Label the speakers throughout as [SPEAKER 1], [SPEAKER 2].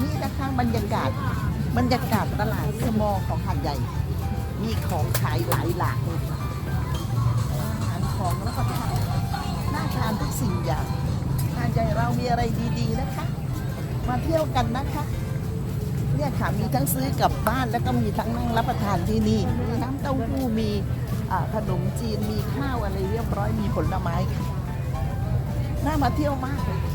[SPEAKER 1] นี่นะคะบรรยากาศตลาดสมอของหาดใหญ่ มีของขายหลายหลากเลยค่ะอาหารของแล้วก็ทานน่าทานทุกสิ่งอย่างหาดใหญ่เรามีอะไรดีๆนะคะ มาเที่ยวกันนะคะเนี่ยค่ะมีทั้งซื้อกลับบ้านแล้วก็มีทั้งนั่งรับประทานที่นี่มีน้ำเต้าหู้มีขนมจีนมีข้าวอะไรเรียบร้อยมีผลไม้ค่ะน่ามาเที่ยวมากเลย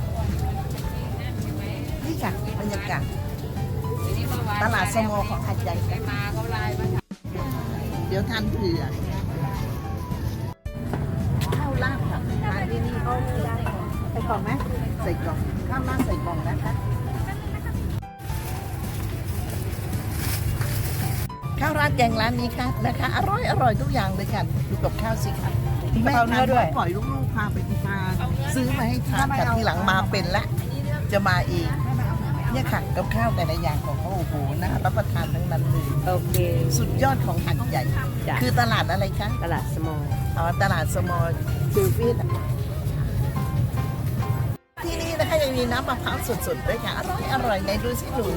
[SPEAKER 1] นี่ค่ะบรรยากาศตลาดสมอของหาดใหญ่ค่ะเดี๋ยวทานเผื่อข้าวราดค่ะทานที่นี่เขาได้ใส่กล่องไหมใส่กล่องข้าวราดใส่กล่องนะคะข้าวราดแกงร้านนี้ค่ะนะคะอร่อยทุกอย่างเลยค่ะดูกับข้าวสิค่ะแม่ทานด้วยปล่อยลูกๆพาไปทานซื้อมาให้ทานแต่ทีหลังมาเป็นละจะมาเองเนี่ยค่ะกับข้าวแต่ละอย่างของเขาโอ้โหน่ารับประทานทั้งนั้นเลย
[SPEAKER 2] โอเค
[SPEAKER 1] สุดยอดของหาดใหญ่
[SPEAKER 2] จ้ะ
[SPEAKER 1] คือตลาดอะไรคะ
[SPEAKER 2] ตลาดสมอล
[SPEAKER 1] อ๋อตลาดสมอลซิลฟี่ที่นี่นะคะยังมีน้ำมะพร้าวสดๆด้วยค่ะอร่อยในดูสิหนู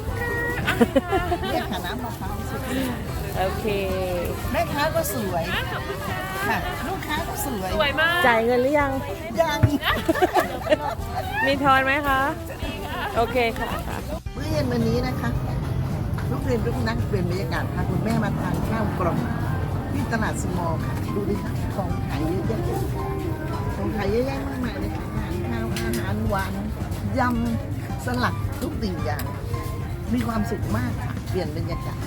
[SPEAKER 1] เนี่ยค่ะน้ำมะพร้าวสด
[SPEAKER 2] โอเค
[SPEAKER 1] แม่ค้าก็สวยค่ะลูกค้าก็สวย
[SPEAKER 2] จ่ายเงินหรือยัง
[SPEAKER 1] ยัง
[SPEAKER 2] มีทอนไหมคะ โอเคค่ะ
[SPEAKER 1] เมื่อเย็นวันนี้นะคะลูกเรียนลูกนักเปลี่ยนบรรยากาศพาคุณแม่มาทานข้าวกล่องที่ตลาดสมอลค่ะดูดิคะของขายเยอะแยะของขายเยอะแยะมากมายเลยค่ะอาหารข้าวอาหารหวานยำสลัดทุกสิ่งอย่างมีความสุขมากค่ะเปลี่ยนบรรยากาศ